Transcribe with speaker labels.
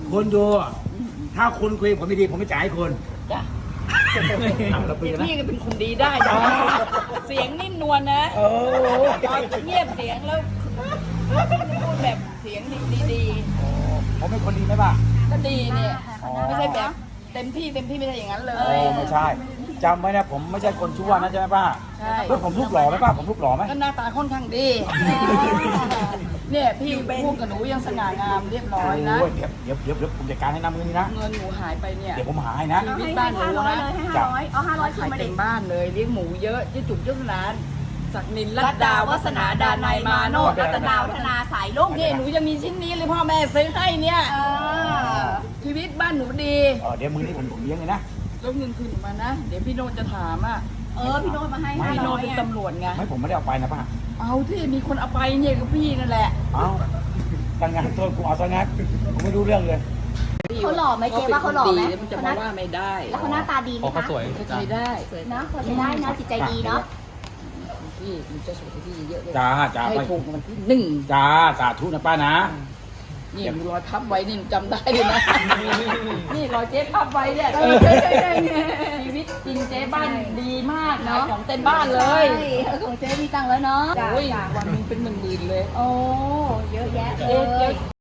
Speaker 1: คุณดูถ้าคุณคุยผมไม่ดีผมไม่จ่ายให้คุณ
Speaker 2: จ้ะ
Speaker 1: เราคุยกันนะ
Speaker 2: พี่ก็เป็นคนดีได้นะเสียงนิ่มนวลนะ
Speaker 1: โอ้
Speaker 2: ตอนเงียบเสียงแล้วพูดแบบเสียงดี
Speaker 1: ผมเป็นคนดีไหมป่ะ
Speaker 2: ๆก็ดีเนี่ย
Speaker 1: อ๋อ
Speaker 2: ไม่ใช่แบบเต็มที่ไม่ใช่อย่างนั้นเล
Speaker 1: โอ้
Speaker 2: ย
Speaker 1: ไม่ใช่จำไว้นะผมไม่ใช่คนชั่วนะใช่ไหมป้า
Speaker 2: ใช่
Speaker 1: แล้วผมรูปหล่อไหมป้าผมรูปหล่อไหม
Speaker 2: ก็หน้าตาค่อนข้างดีเนี่ยพี่พูดกับหนูยังสง่างามเรียบร้อยนะ
Speaker 1: โอ้ยเดี๋ยวผมจัดการให้น้ำมือนี่นะ
Speaker 2: เงินหนูหายไปเนี่ย
Speaker 1: เดี๋ยวผมหาให้นะ
Speaker 2: ชีวิตบ้านหนูนะ
Speaker 1: จ้ะ
Speaker 3: เอา500คื
Speaker 2: ขาน ย
Speaker 3: มา
Speaker 2: เต็
Speaker 3: ดิ
Speaker 2: มบ้านเลยเลี้ยงหมูเยอะที่จุกเจ้าร้านศักดินรัตดาวัฒนาดานายมาโน
Speaker 3: รัตนาวัฒนาสายลุ่ง
Speaker 2: นี่หนูจะมีชิ้นนี้เลยพ่อแม่ซื้อให้เนี่ย ชีวิตบ้านหนูดี
Speaker 1: เดี๋ยวมือนี้ผมเลี้ยงเลยนะ
Speaker 2: แล้วเงินคืนหนูมานะ เดี๋ยวพี่โนจะถามอ่ะ
Speaker 3: พี่โน้ตมาให้
Speaker 2: พี่โน
Speaker 3: 500
Speaker 2: เป็นตำรวจไง
Speaker 1: ไม่ผมไม่ได้เอาไปนะป้า
Speaker 2: เอาที่มีคนเอาไปเนี่ยก็พี่นั่นแหละ
Speaker 1: เอาการงานตัวกูเอาซะงั้นผมไม่รู้เรื่องเลย
Speaker 3: เขาหล่อไหมเจ๊ว่าเขาหล่อไหม
Speaker 2: มันจะมาว่าไม่ได้
Speaker 3: แล้วเขาหน้าตาดีไหม
Speaker 4: เขา
Speaker 3: คะ
Speaker 4: สวย
Speaker 2: ก็ใช้ได้
Speaker 3: เนาะเขาใช้ได้นะจิตใจดีเนาะ
Speaker 2: พี่มันจะสวยกว่าพี่เยอะเลย
Speaker 1: จ้าจ้า
Speaker 2: ให้
Speaker 1: ไป
Speaker 2: ถูกมันที่หนึ่ง
Speaker 1: จ้าสาธุนะป้านะ
Speaker 2: นี่มีรอยพับไว้นี่จำได้เลยนะ นี่รอยเจ๊พับไว้เนี่ยชีวิตจริงเจ๊บ้านดีมากเนาะของเต็มบ้านเลย
Speaker 3: ของเจ๊มีตังค์แล้วเนาะ
Speaker 2: โอ้ยวันหนึงเป็นหมื่นๆเลย
Speaker 3: โอ้เยอะแยะเล
Speaker 2: เจ๊
Speaker 3: ย